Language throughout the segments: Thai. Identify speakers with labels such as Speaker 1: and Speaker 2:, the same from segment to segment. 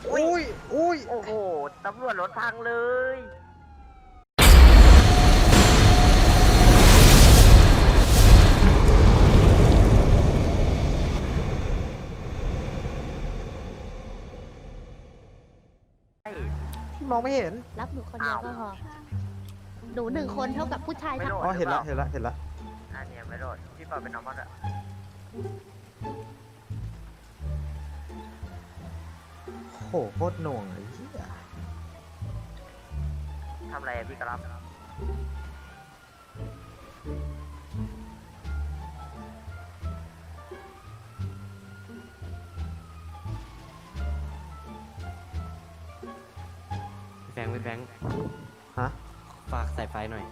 Speaker 1: อุ้ยอุ้ย
Speaker 2: โอ้โหตำรวจรถพังเลย
Speaker 1: มองไม่เห็น
Speaker 3: รับหนูคนเดียวก็พอ หนู1 คนเท่ากับผู้ชาย
Speaker 2: ไม่
Speaker 3: ทั้ง
Speaker 2: โดด
Speaker 1: อ๋อเห็นละ
Speaker 2: รือ
Speaker 1: เห็นละเห็นละ
Speaker 2: อันเนี้ยไม่โดดพี่เปาเป็นน้องมันอะ
Speaker 1: โหโคตรหน่วงเลยเหี้ย
Speaker 2: ทำอะไรอะพี่กระลับ
Speaker 4: พี่แฟง
Speaker 1: ฮะ
Speaker 4: ฝากสายไฟหน่อย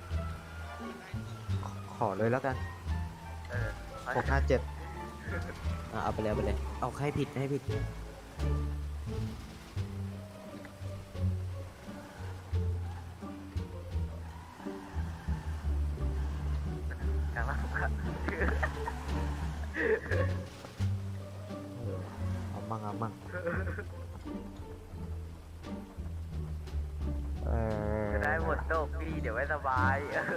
Speaker 1: ขอเลยแล้วกัน
Speaker 2: เออ
Speaker 1: 657
Speaker 4: เอาไปเลย เอาให้ผิด
Speaker 2: กระลับครับ
Speaker 1: เอามั่งเอามั่ง
Speaker 2: จะได้หมดโลกพี่เดี๋ยวไม่สบาย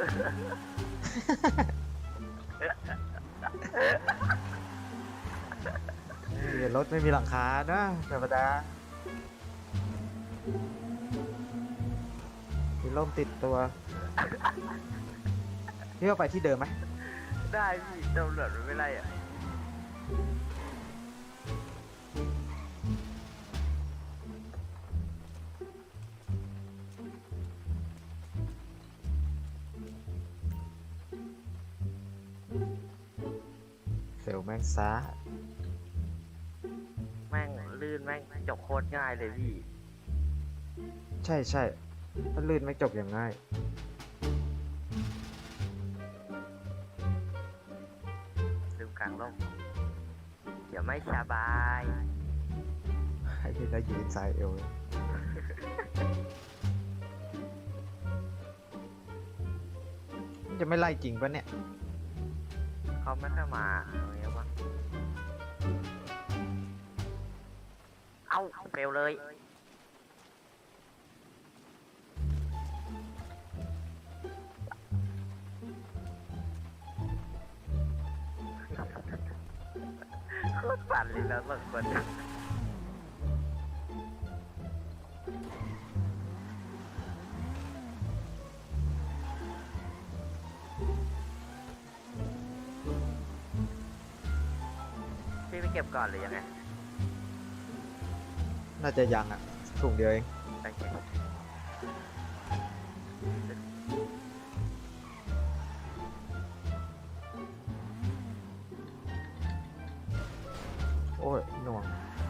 Speaker 1: รถไม่มีหลังคานะธรรมดามีร่มติดตัวพี่ว่าไปที่เดิมไหม
Speaker 2: ได้พี่ตำรวจไม่ไล่อะ
Speaker 1: เซลแม่งซา
Speaker 2: แม่งลื่นแม่งจบโคตรง่ายเลยพี่
Speaker 1: ใช่ใช่ถ้าลื่นไม่จบอย่างง่าย
Speaker 2: ลืมกลางร่มเดี๋ยวไม่สบาย
Speaker 1: ให้พี่ได้ยืนสายเอวเลยมันจะไม่ไล่จริงปะเนี่ย
Speaker 2: เขาไม่ค่อยมาอะไรเงี้ยวะเอาเฟลเลย โคตรปั่นเลยแล้วบางคนพี่ไปเก็บก่อนหรือยังไง
Speaker 1: น่าจะยังอ่ะถุงเดียวเอง
Speaker 2: โอเค
Speaker 1: โอ้ยหน่วง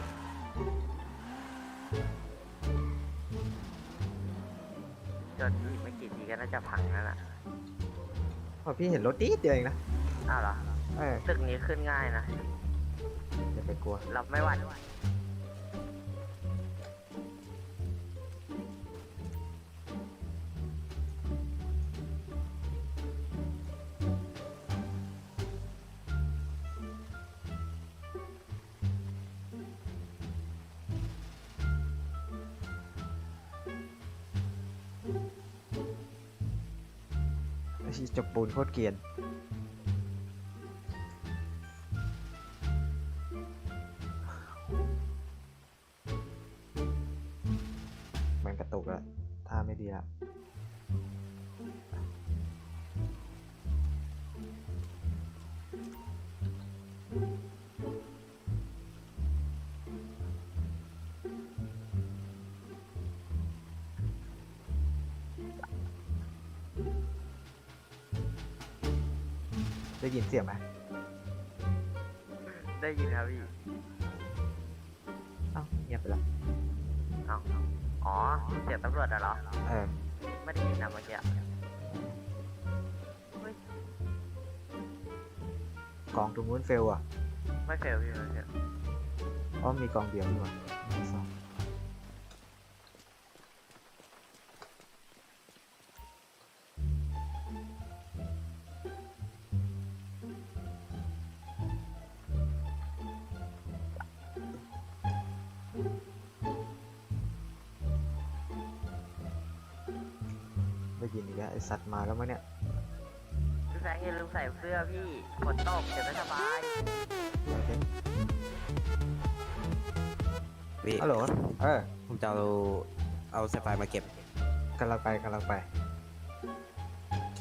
Speaker 2: จนอีกไม่กี่ทีก็น่าจะพังแล้วล่ะ
Speaker 1: พอพี่เห็นรถนิดเดียวเองนะ
Speaker 2: อ้าวเหรอ
Speaker 1: เออ
Speaker 2: ตึกนี้ขึ้นง่ายนะ
Speaker 1: อย่าไปกลัว
Speaker 2: รับไม่หวั่น
Speaker 1: ไอ้จกปูนโคตรเกรียนมันกระตุกแล้วท่าไม่ดีละได้ยินเสียงไหม
Speaker 2: ได้ยินครับพี่
Speaker 1: เอ้าเงียบไปละ
Speaker 2: เอ้าอ๋อ เสียงตำรวจอะเหรอ
Speaker 1: เออ
Speaker 2: ไม่ได้ยินนะเมื่อกี้
Speaker 1: กองตรงนู้นเฟลอ่ะ
Speaker 2: ไม่เฟลพี่ไม่เฟล
Speaker 1: เพราะมีกองเดียวนี่หว่ามีสองได้ยินอีกแล้วไอสัตว์มาแล้วมั้งเนี่ย
Speaker 2: พี่แฟงอย่าลืมใส่เสื้อพี่ฝนตกเดี๋ยวไม่สบาย
Speaker 1: โอเค
Speaker 4: พี่
Speaker 1: ฮัลโหลเออ
Speaker 4: ผมจะเอาสายไฟมาเก็บ
Speaker 1: กำลังไปกำลังไป
Speaker 4: โอเค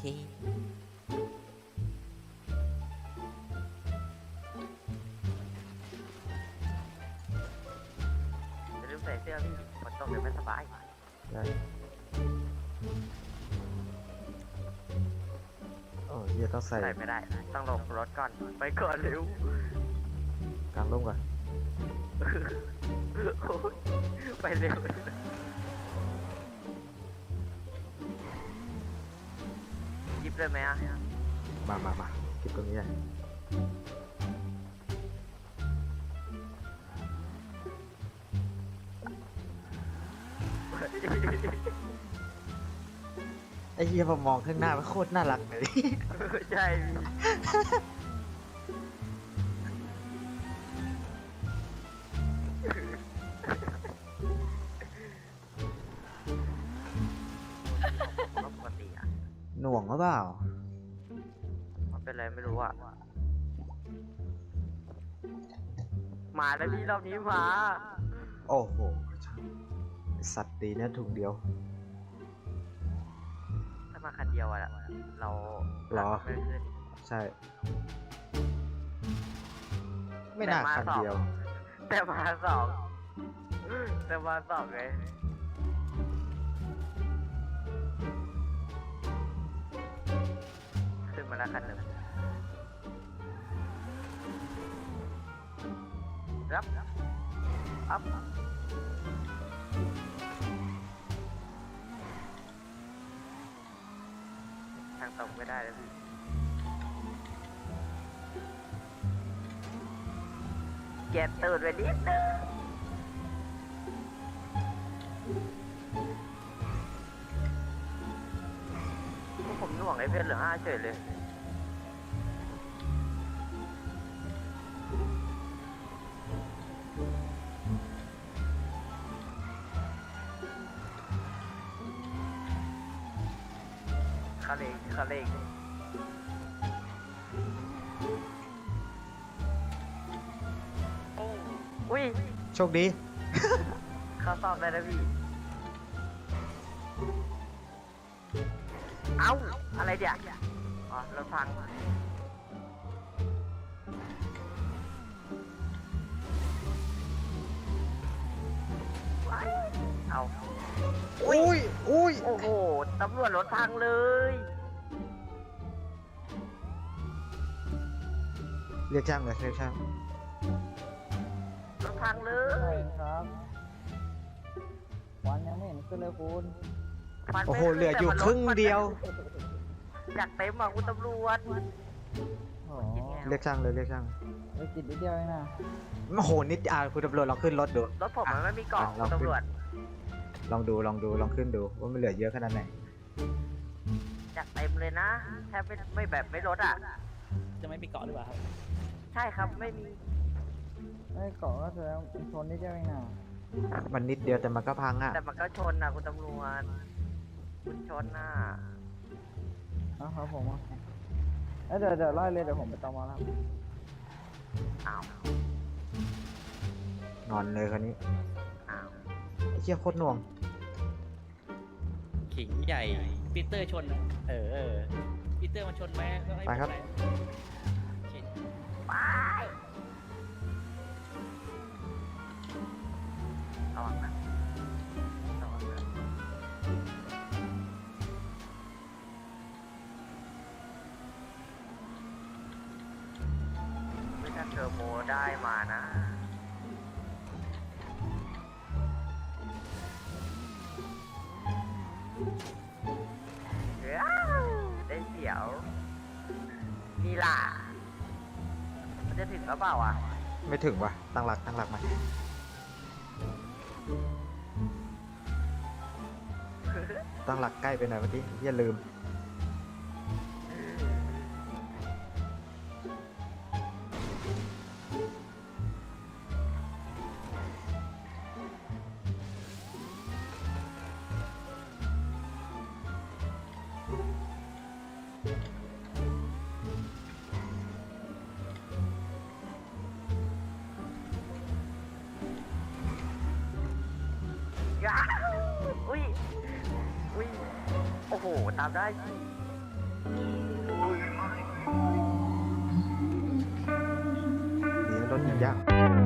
Speaker 2: อย่าลืมใส่เสื้อพี่ฝนตกเดี๋ยวไม่สบาย
Speaker 1: ได้โอ้เฮียต้องใส่
Speaker 2: ใส่ไม่ได้ ต้องลงรถก่อน ไปก่อนเร็ว
Speaker 1: กลางร่มก่อน
Speaker 2: โอ้ยไปเร็วยิบเลยไหมอ่ะ
Speaker 1: มาเก็บตรงนี้เลยไอ้เฮียพอมองข้างหน้ามันโคตรน่ารักเลย
Speaker 2: ใช่พี่ปกติอ่ะ
Speaker 1: หน่วงหรือเปล่า
Speaker 2: มันเป็นอะไรไม่รู้อ่ะ มาแล้วพี่รอบนี้มา
Speaker 1: โอ้โหไอ้สัตว์ดีนะถุงเดียว
Speaker 2: ถ้ามาคันเดียวอ่ะ เรา
Speaker 1: หรอ
Speaker 2: ไม่ขึ้น
Speaker 1: ใช่ ไม่น่าคันเดียว
Speaker 2: แต่มาสองแต่มาสองไงขึ้นมาแล้วคันหนึ่งรับอัพทางตรงไม่ได้แล้วพี่เก็บตูดไว้นิดนึงพวกผมหน่วงไอ้เพื่อนเหลือ5เฉยเลยคาเลงอุ้ย
Speaker 1: โชคดี
Speaker 2: เขาสอบได้แล้วพี่ เอ้า อะไรเดี๋ยวอ๋อรถพังเอา
Speaker 1: อุ้ย
Speaker 2: โอ้โห ตำรวจรถพังเลย
Speaker 1: เรียกช่างเลยเรียกช่าง
Speaker 2: รถพังเลย
Speaker 5: ครับวันยังไม่เห็นขึ้นเลยคุณ
Speaker 2: ฟันไม่
Speaker 1: โอ้โห
Speaker 2: ขึ้น
Speaker 1: เหลืออยู่
Speaker 2: แต่มัน
Speaker 1: ครึ่งเดียว
Speaker 2: อยากเต็มอ่ะคุณตำรวจ
Speaker 5: โอ้
Speaker 1: เรียกช่างเลยเรียกช่าง
Speaker 5: ไปกินนิดเดียวเองนะ
Speaker 1: โอ้โหนิดคุณตำรวจลองขึ้นรถดู
Speaker 2: รถผมมันไม่มีกล่อง
Speaker 1: ลอง
Speaker 2: คุณ
Speaker 1: ขึ้น
Speaker 2: ตำรวจ
Speaker 1: ลองขึ้นดูว่ามันเหลือเยอะขนาดไหน
Speaker 2: อยากเต็มเลยนะแทบไม่แบบไม่ลดอ่ะ
Speaker 6: จะไม่มีเกาะหรือเปล่าครับ
Speaker 2: ใช่ครับไม่มี
Speaker 5: ไอ้เกาะก็แสดงชนนิดเดียวเองนะ
Speaker 1: มันนิดเดียวแต่มันก็พังอ่ะ
Speaker 2: แต่มันก็ชนนะคุณตำรวจคุณชนน่ะ
Speaker 5: เอาครับผมเดี๋ยวไล่เลยเดี๋ยวผมไปตอมอแล้ว
Speaker 2: อ้าว
Speaker 1: นอนเลยคนนี้
Speaker 2: อ้าว
Speaker 1: ไอ้เชี่ยโคตรหน่วง
Speaker 6: ขิงใหญ่ปีเตอร์ชนอะปีเตอร์มันชนไหมก็ให้
Speaker 1: ไปครับ
Speaker 6: ผมโอเค
Speaker 2: ไประวังนะระวังนะไม่ถ้าเทอร์โบได้มานะว้าวได้เสียวนี่ล่ะมันจะถึงหรือเปล่าอ่ะ
Speaker 1: ไม่ถึงว่ะตั้งหลักมาตั้งหลักใกล้ไปหน่อยเมื่อกี้อย่าลืม
Speaker 2: อ่ะอุ้ยอุ้ยโอ้โหตามได้สิ
Speaker 1: ดีนะรถยังยาก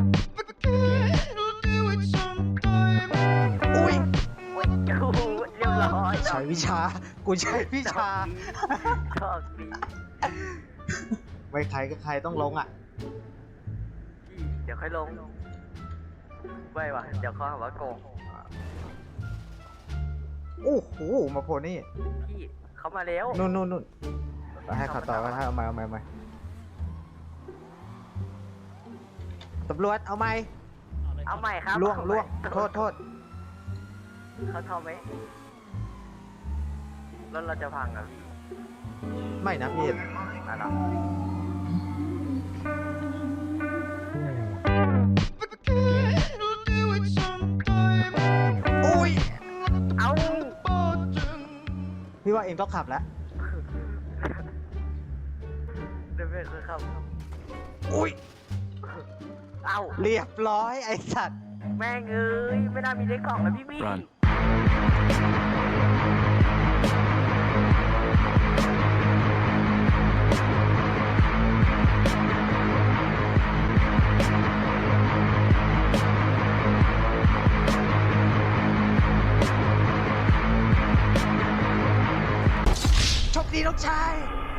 Speaker 2: อุ้ยกูเรียบร้อย
Speaker 1: ใช้วิชา กูใช้วิชา
Speaker 2: ชอบดี
Speaker 1: ไม่ใครก็ใครต้องลงอ่ะ
Speaker 2: พี่เดี๋ยวค่อยลงไม่ว่ะเดี๋ยวเขาหาว่าโกง
Speaker 1: โอ้โห มาโผล่นี่
Speaker 2: พี่เขามาแล้ว
Speaker 1: นู่นให้ขับต่อกันให้เอาใหม่ตำรวจเอาใหม่
Speaker 2: เอาใหม่ครับ
Speaker 1: ล่วง
Speaker 2: เอาใหม่
Speaker 1: โทษ
Speaker 2: เขาทอไหมรถเราจะพังอ่ะพี่
Speaker 1: ไม่นะพี่
Speaker 2: อะไร
Speaker 1: โอ้ย
Speaker 2: เอา
Speaker 1: พี่ว่าเองต้องขับแล้ว
Speaker 2: เดินไปคือครับ
Speaker 1: อุ้ย
Speaker 2: เอา
Speaker 1: เรียบร้อยไอ้สัตว์
Speaker 2: แม่งเอ้ยไม่น่ามีเลขกล่องแล้วพี่มี่
Speaker 1: โชคดีน้องชาย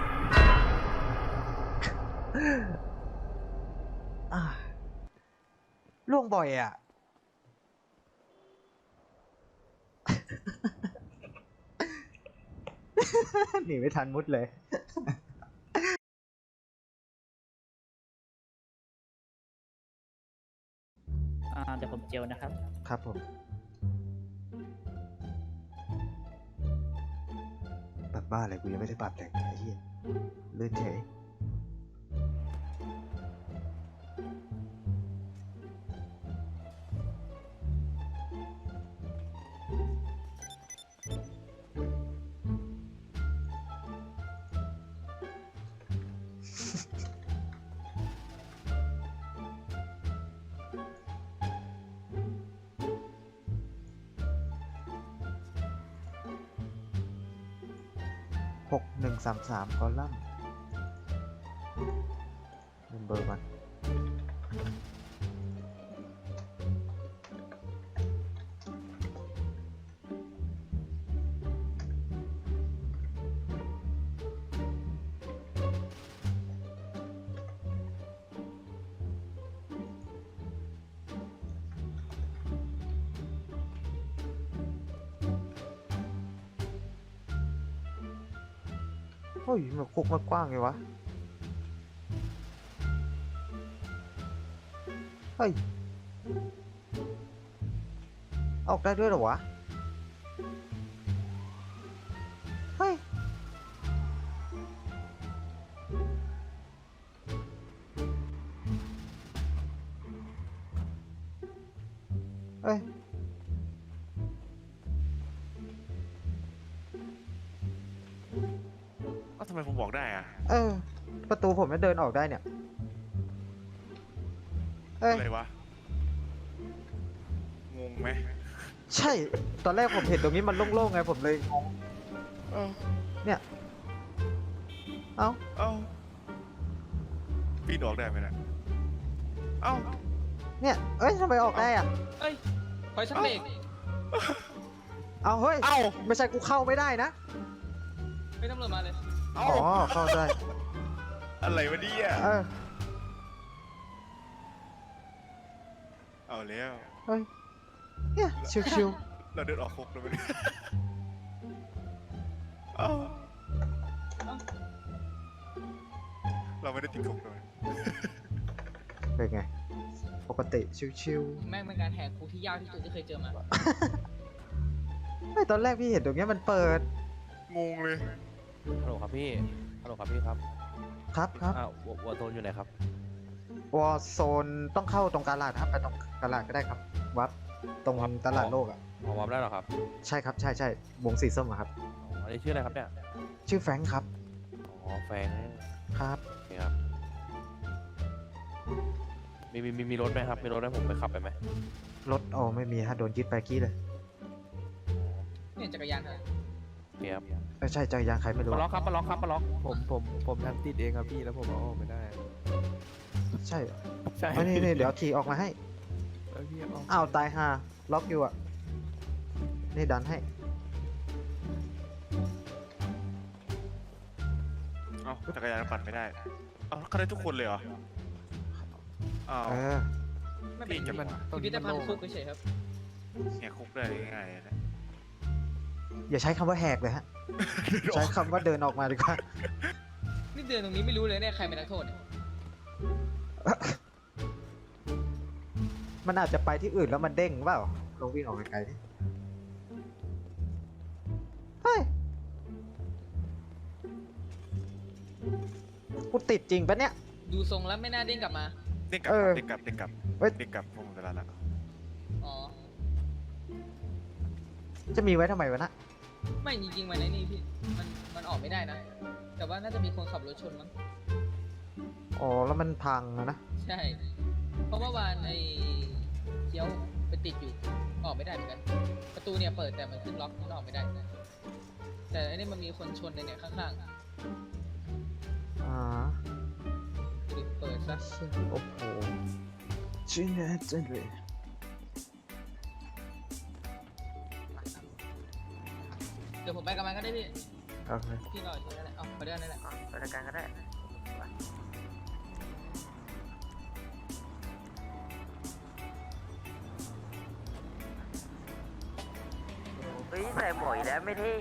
Speaker 1: อ่ะล่วงบ่อยอ่ะ หนีไม่ทันมุดเลย
Speaker 6: เดี๋ยวผมเจลนะครับ
Speaker 1: ครับผม ปรับบ้าอะไรกูยังไม่ได้ปรับแต่งไอ้เหี้ยลื่นเฉย6133คอลัมน์เบอร์มันเฮ้ยมันคุกมันกว้างไงวะ เฮ้ย ออกได้ด้วยเหรอวะ เฮ้ย เฮ้ย
Speaker 7: ทำไมผมบอกได้อะ
Speaker 1: ประตูผมจะเดินออกได้เนี่ย เอ้ย
Speaker 7: อะไรวะ งงไหม
Speaker 1: ใช่ ตอนแรกผมเห็นตรงนี้มันโล่งๆไงผมเลยงง
Speaker 7: เอ้า
Speaker 1: เนี่ย เอ้า
Speaker 7: เอ้าปีนออกได้ไหมนะเอ้า
Speaker 1: เนี่ย เอ้ยทำไมออกได้อ่ะ
Speaker 6: เอ้ยคอยสักเบรก
Speaker 1: เอาเฮ้ย
Speaker 7: เอ้า
Speaker 1: ไม่ใช่กูเข้าไม่ได้นะ
Speaker 6: ไม่ตำรวจมาเลย
Speaker 7: เอ้า
Speaker 1: อ๋อ เข้าได้
Speaker 7: อะไรวะเนี่ย
Speaker 1: เออ
Speaker 7: เอาแล้ว
Speaker 1: เฮ้ย เนี่ย ชิว
Speaker 7: เราเดินออกคุกแล้วไหมเนี่ยเอ้าเราไม่ได้ติดคุกเลย
Speaker 1: ๆ เป็นไง ปกติ ชิว
Speaker 6: แม่งเป็นการแหกคุกที่ยากที่สุดที่เคยเจอมา
Speaker 1: ๆไม่ตอนแรกพี่เห็นตรงเนี้ยมันเปิด
Speaker 7: งงเลย
Speaker 4: ฮัลโหลครับพี่ ฮัลโหลครับพี่ครับ
Speaker 1: ครับครับ
Speaker 4: วอร์โซนอยู่ไหนครับ
Speaker 1: วอร์โซนต้องเข้าตรงกาลาดครับ ไปตรงกาลาดก็ได้ครับ วัดตรงตลาดโลกอ่ะ
Speaker 4: พอวอร์มได้เหรอครับ
Speaker 1: ใช่ครับ ใช่วงสีส้มอะครับ
Speaker 4: อ๋ออันนี้ชื่ออะไรครับเนี่ย
Speaker 1: ชื่อแฟรงค์ครับ
Speaker 4: อ๋อ แฟรงค์
Speaker 1: ครับ
Speaker 4: โอเคครับ มีรถไหมครับ มีรถให้ผมไปขับไปไหม
Speaker 1: รถไม่มีฮะโดนยึดไปกี้เลย
Speaker 8: จักรยานครับ
Speaker 4: เกียบ
Speaker 1: ใช่จักรยานใครไม่รู้
Speaker 4: ปลล็อก
Speaker 1: อะ
Speaker 4: ครับปลล็อกครับปลล็อก
Speaker 9: ผมทำติดเองครับพี่แล้วผมเอาออกไม่ได้
Speaker 1: ใช่เหรอ
Speaker 9: ใช่
Speaker 1: เอานี่เดี๋ยวขี่ออกมาให้
Speaker 9: แล้วพี่เอา
Speaker 1: อ้าวตายห่าล็อกอยู่อ่ะ นี่ดันให้
Speaker 7: เอ้าจักรยานปั่นไม่ได้เอ้าเขาได้ทุกคนเลยเหรออ้าว
Speaker 1: เออ
Speaker 8: ไม่เป็น
Speaker 7: พี่จะมัน
Speaker 8: พิพิธภัณฑ์คุกเฉยๆครับ
Speaker 7: แหกคุกได้ง่ายๆนะ
Speaker 1: อย่าใช้คำว่าแหกเลยฮะ ใช้คำว่าเดินออกมาดีกว่า
Speaker 8: นี่เดินตรงนี้ไม่รู้เลยเนี่ยใครเป็นนักโทษเนี่ย
Speaker 1: มันอาจจะไปที่อื่นแล้วมันเด้งเปล่าลองวิ่งออกไกลๆดิเฮ้ยกูติดจริงปะเนี่ย
Speaker 8: ดูทรงแล้วไม่น่าเด้งกลับมา
Speaker 7: เด้งกลับ
Speaker 1: เออ
Speaker 7: เด้งกลับเด้งกลับ
Speaker 1: เฮ้ย
Speaker 7: เด้งกลับพวกมึงเวลาละ
Speaker 8: อ๋อ
Speaker 1: จะมีไว้ทำไมวะนะ
Speaker 8: ไม่จริงๆมันไอ้นี่พี่มันออกไม่ได้นะ แต่ว่าน่าจะมีคนขับรถชนมั้ง
Speaker 1: อ๋อ แล้วมันพังอะนะ
Speaker 8: ใช่ เพราะเมื่อวานไอ้เคี้ยวไปติดอยู่ออกไม่ได้เหมือนกัน ประตูเนี่ยเปิดแต่มันขึ้นล็อกมันออกไม่ได้ แต่อันนี้มันมีคนชนในเนี่ยข้าง
Speaker 1: อ่า
Speaker 8: ๆดูดิเปิดซะ
Speaker 1: โอ้โหชื่อแน่จังเลย
Speaker 8: เดี๋ยวผมไปกับมันก็ได้พี่
Speaker 1: โอเค
Speaker 8: พี่รออยู่นั่นแหละเอาไปด้วยนั่นแหละ
Speaker 2: ไปด้วยกันก็ได้เฮ้ยใส่หมวกอีกแล้วไม่เท่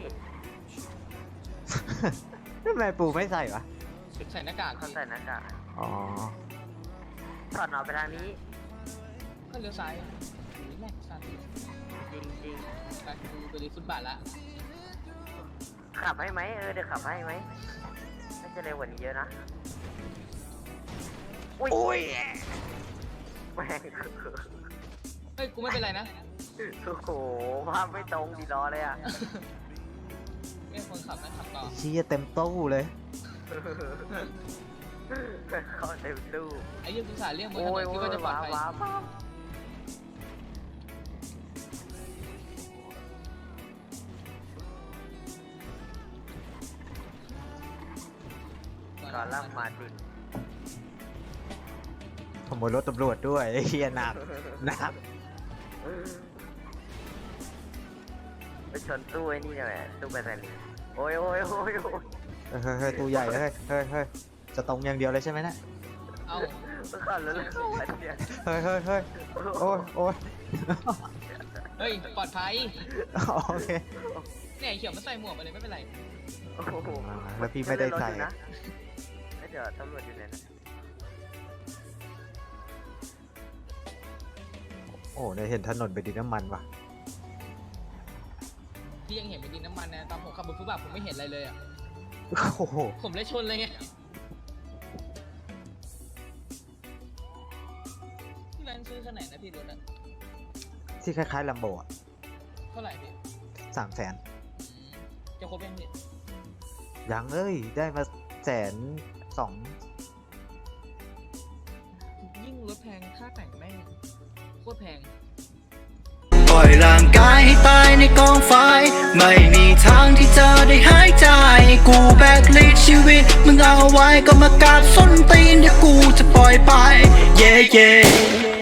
Speaker 1: ทำไมปูไม่ใส่วะ
Speaker 8: ใส่หน้ากาก
Speaker 2: เขา
Speaker 8: พี่
Speaker 2: ใส่หน้ากาก
Speaker 1: อ๋อ
Speaker 2: ถอดออกไปทางนี้
Speaker 8: ก็เลี้ยวซ้ายนี่แม่งซ้าย
Speaker 2: จริง
Speaker 8: ไปดูไปดูฟุตบาทละ
Speaker 2: ๆ ขับให้ไหมเดี๋ยวขับให้ไหมน่าจะเร็วกว่านี้เยอะนะ อุ้ยแม่ง
Speaker 8: เฮ้ยกูไม่เป็นไรนะ
Speaker 2: โอ้โหภาพไม่ตรงดีรอเลยอ่ะ
Speaker 8: ไม่คนขับนะขับต่อ
Speaker 1: เชี่ยเต็มตู้เลย
Speaker 2: เข้าเต็มตู้
Speaker 8: ไอ้เรื่องภาษาเรียกบนถ
Speaker 2: โอ้
Speaker 8: น
Speaker 2: ย
Speaker 8: น
Speaker 2: โอ้
Speaker 8: คิดว่าจะ
Speaker 2: ย
Speaker 8: ปลอด
Speaker 2: ว้าว
Speaker 8: ภัย
Speaker 2: ว้าวว้าวก่อนล่ำมาดิ
Speaker 1: ขโมยรถตำรวจด้วยไอ้เฮียหนักหนัก
Speaker 2: ไปชนตู้ไอ้นี่เนี่ยแหละตู้แบตเตอรี่โอ้ยโอ้ยโอ้ยโอ้ย
Speaker 1: เฮ้ยตู้ใหญ่เฮ้ยเฮ้ยจะตรงอย่างเดียวเลยใช่ไหมเนะ
Speaker 8: เอา
Speaker 2: เมื่อก่อนแล้วเลยเนี่ย
Speaker 1: เฮ้ยโอ้ยโอ้ย
Speaker 8: เฮ้ยปลอดภัย
Speaker 1: โอเค
Speaker 8: เนี่ยไอ้เขียวมันใส่หมวกมาเลยไม่เป็นไร
Speaker 2: โอ้โห
Speaker 1: แล้วพี่ไม่ได้ใส่
Speaker 2: นะเดี๋ยวตำรวจอยู่ไหนนะ
Speaker 1: โอ้เนี่ยเห็นถนนไปนดินน้ำมันว่ะ
Speaker 8: พี่ยังเห็นเป็นดินน้ำมันนะตอนผมขับบนฟุตบาทผมไม่เห็นอะไรเลยอ่ะ
Speaker 1: โอ้โห
Speaker 8: ผมเลยชนเลยไงที่ร้านซื้อขนาดไหนนะพี่รถอ่ะ
Speaker 1: ที่คล้ายๆลัมโบอ่ะ
Speaker 8: เท่าไหร่พี่
Speaker 1: 300,000
Speaker 8: จะครบยังพี่
Speaker 1: ยังเอ้ย ได้มา120,000
Speaker 8: ยิ่งรถแพงค่าแต่งแม่งโคตรแพง
Speaker 10: ปล่อยร่างกายให้ตายในกองไฟ ไม่มีทางที่เธอได้หายใจ กูแบกลิดชีวิต มึงเอาไว้ก็มากราบส้นตีนเดี๋ยวกูจะปล่อยไป เย่